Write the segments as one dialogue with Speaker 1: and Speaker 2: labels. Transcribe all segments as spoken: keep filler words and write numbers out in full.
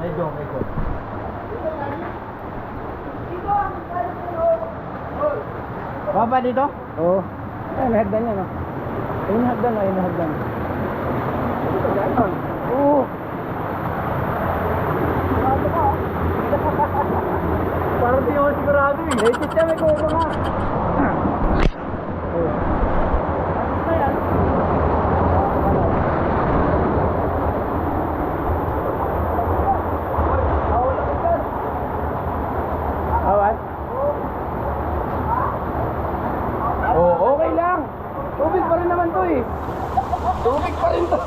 Speaker 1: Medyo, medyo. Baba dito?
Speaker 2: Oo. Ay, may hagdan yan, oh. Ayun yung hagdan, ayun yung hagdan. Oo.
Speaker 1: Parang di ako sigurado eh.
Speaker 2: Legit siya, may kuha nga. Oo.
Speaker 1: Ano yan?
Speaker 2: Awan? Oo, okay lang. Tubig pa rin naman to eh. Tubig pa rin to.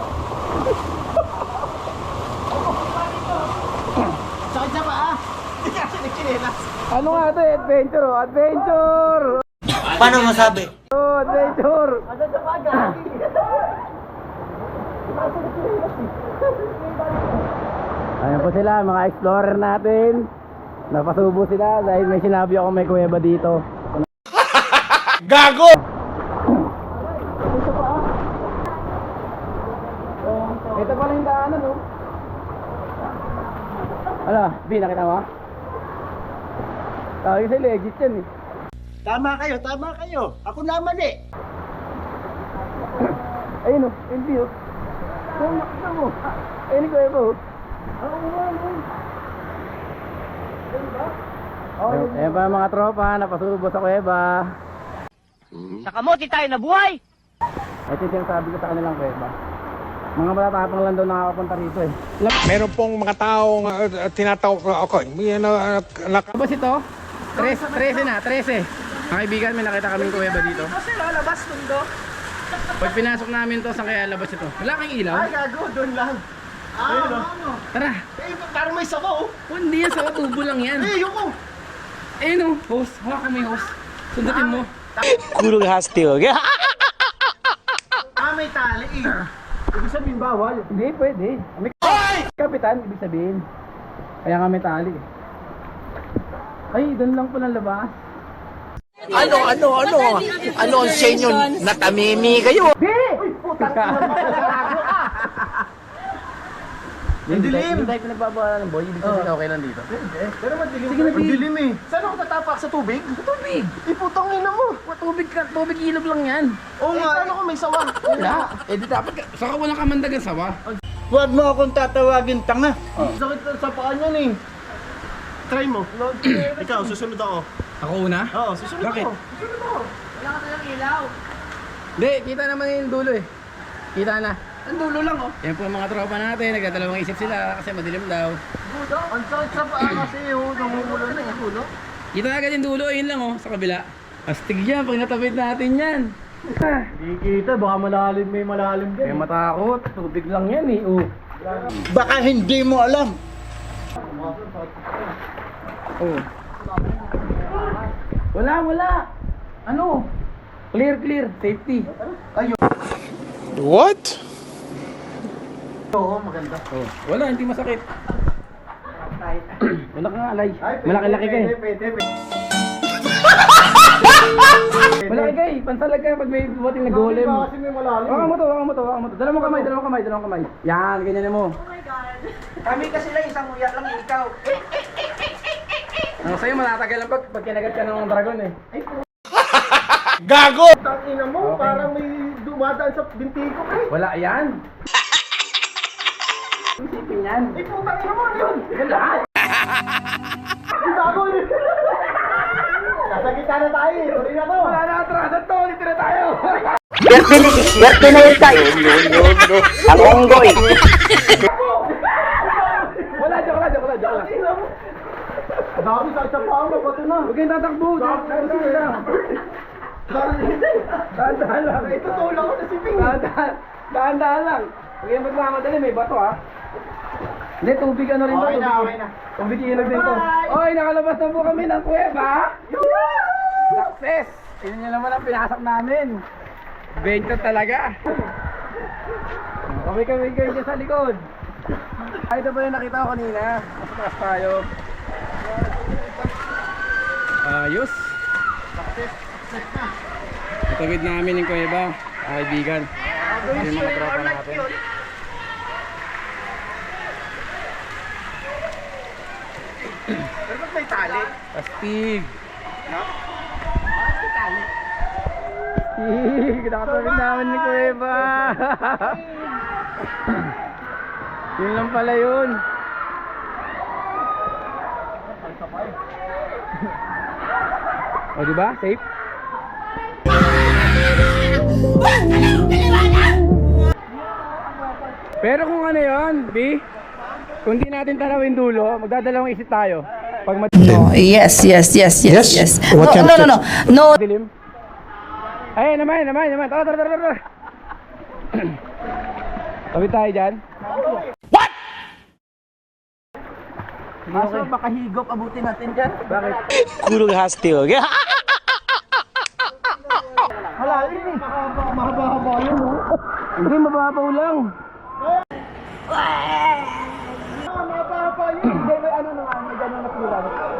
Speaker 1: Sakit sa paa. Hindi kasi nagkinelas.
Speaker 2: Ano nga to eh? Adventure, oh. Adventure!
Speaker 3: Paano masabi?
Speaker 2: Oh, adventure!
Speaker 1: Ano sa paa, gagi?
Speaker 2: Ayan po sila, mga explorer natin. Napasubo sila dahil may sinabi ako may kuweba dito.
Speaker 3: Gago!
Speaker 2: Ito pala yung daanan, oh. Ano, B, nakita mo? Tawag kasi legit yan eh.
Speaker 1: Tama kayo, tama kayo. Ako naman eh.
Speaker 2: Ayun oh, yung view. Ayun, nakita mo. Ayun yung kuweba, oh.
Speaker 1: Oo nga, oo.
Speaker 2: Ayun, ayun pa mga tropa, napasubo sa kuweba.
Speaker 3: Sa kamote tayo na buhay!
Speaker 2: Ito yung sinasabi ko sa kanilang kuweba. Mga matatapang lang daw nakakapunta rito eh.
Speaker 4: Meron pong mga taong uh, tinatawag ko ako. Yan uh, nak-
Speaker 2: Labas ito? trese na, trese. Mga kaibigan, may nakita kaming kuweba dito.
Speaker 1: Kasi lalabas mundo.
Speaker 2: Pag pinasok namin to, saan kaya labas ito? Wala kang ilaw?
Speaker 1: Ay, gago, doon lang. Ah, ano, ano?
Speaker 2: Tara!
Speaker 1: Eh, parang may sabaw. oh.
Speaker 2: Oh, hindi yan, sa tubo lang yan.
Speaker 1: Eh, yung ko.
Speaker 2: Ayun oh, host. Hawak ko may host. Sundutin mo.
Speaker 3: Kurog hastig.
Speaker 1: Ah, may tali eh. Ibig sabihin bawal.
Speaker 2: Hindi, pwede. May kapitan, ibig sabihin. Kaya nga may tali. Ay, doon lang pala labas.
Speaker 3: Ano, ano, ano? Ano ang senyo? Natamimi kayo?
Speaker 1: Uy, putang ina mo. Gago ka.
Speaker 2: Yung
Speaker 1: dilim.
Speaker 2: Hindi tayo pinagbabawalan ng boy, ibig sabihin okay lang dito.
Speaker 1: Pero madilim.
Speaker 2: Sige, nabig.
Speaker 1: Madilim eh. Saan ako tatapak sa tubig?
Speaker 2: Sa tubig!
Speaker 1: Eh, putang ina mo.
Speaker 2: Tubig ka, tubig ilog lang yan.
Speaker 1: Oo nga. Paano kung may sawa?
Speaker 2: Wala. Eh di dapat ka, saka walang kamandagan sawa.
Speaker 3: Huwag mo akong tatawagin tanga.
Speaker 1: Sakit sa paa niyan eh. Try mo. Ikaw, susunod ako.
Speaker 2: Ako una?
Speaker 1: Oo, susunod
Speaker 2: Bakit?
Speaker 1: ako. Susunod ako. Wala ka talang ilaw.
Speaker 2: Hindi, kita naman yung dulo eh. Kita na. Ang dulo lang oh. Yan po ang mga tropa natin, nagdadalawang isip sila kasi madilim daw.
Speaker 1: Budo, ang sakit sa paa kasi oh. Namumula na yung dulo.
Speaker 2: Kita na agad yung dulo, yun lang oh, sa kabila. Astig yan, pag natapit natin yan.
Speaker 1: Hindi kita, baka malalim may malalim
Speaker 2: Kaya
Speaker 1: din.
Speaker 2: matakot, tubig lang yan eh. Oh.
Speaker 3: Baka hindi mo alam.
Speaker 2: Oh. Wala, wala. Ano? Clear, clear, safety.
Speaker 4: What?
Speaker 1: Oo, maganda.
Speaker 2: Oh. Wala, hindi masakit.
Speaker 1: Kahit.
Speaker 2: Wala kang alay. Malaki-laki ka eh.
Speaker 1: Pwede, pwede, pwede.
Speaker 2: Malaki ka eh. Pansalag ka pag may bumating na golem.
Speaker 1: Kasi may malalim.
Speaker 2: Waka mo to, waka mo to, waka mo to. Dalawang kamay, dalawang kamay, dalawang kamay. Yan, ganyan mo.
Speaker 1: Kami kasi lang isang uyak lang ikaw.
Speaker 2: Ano sa'yo, matatagal lang pag, pag kinagat ka ng dragon eh.
Speaker 4: Gago!
Speaker 1: Tangina mo,
Speaker 2: Okay.
Speaker 1: parang may dumadaan sa binti ko eh.
Speaker 2: Wala yan. Isipin yan.
Speaker 1: Eh, putang ina mo, ano yun?
Speaker 2: Wala.
Speaker 1: Ang bago yun. Nasa gitna na tayo eh. Tuloy na to.
Speaker 2: Wala na atrasan to, dito na tayo.
Speaker 3: Swerte na yun tayo. Ang onggoy.
Speaker 2: Wala, joke lang, joke lang, joke lang.
Speaker 1: Tangina mo. Ang dami sa isa pa ako, bato na.
Speaker 2: Huwag kayong tatakbo, tatakbo lang. Dahan-dahan lang.
Speaker 1: Ito tulak ko na si Ping.
Speaker 2: Dahan-dahan. Dahan-dahan lang. Huwag kayong magmamadali, may bato ha. Hindi, tubig ano rin to.
Speaker 1: Okay na,
Speaker 2: tubig-
Speaker 1: okay na.
Speaker 2: Tubig ilog din to.
Speaker 1: Bye!
Speaker 2: Oy, nakalabas na po kami ng kuweba. Success! Yun nyo naman ang pinasok namin. Venture talaga. Kami kami kayo dyan sa likod. Ay, ito pa yung nakita ko kanina. Mas taas tayo. Ayos. Itawid namin yung kuweba, mga kaibigan. Yung mga tropa natin.
Speaker 1: Pero ba't may tali?
Speaker 2: Astig.
Speaker 1: No? Bakit may tali?
Speaker 2: Kinakatawid namin ni Kuweba. Yun lang pala yun. O diba? Safe? Pero kung ano yun, B, kung di natin tanawin dulo, magdadalawang isip tayo. Pag mat-
Speaker 5: Oh, yes, yes, yes, yes,
Speaker 4: Yes?
Speaker 5: yes.
Speaker 4: What
Speaker 5: No,
Speaker 4: kind
Speaker 5: no,
Speaker 4: of
Speaker 5: no, no, no.
Speaker 2: dilim. Ay, naman, naman, naman. Tara, tara, tara, tara. Tabi tayo dyan. What?
Speaker 5: Kaso baka higop abutin natin dyan.
Speaker 2: Bakit?
Speaker 3: Kurog hasti ho gaya.
Speaker 1: Malalim eh. Mahaba-haba yun, no?
Speaker 2: Hindi, mababaw lang.
Speaker 1: Mahaba-haba yun. Hindi, may ano na nga, may gano'n na pula.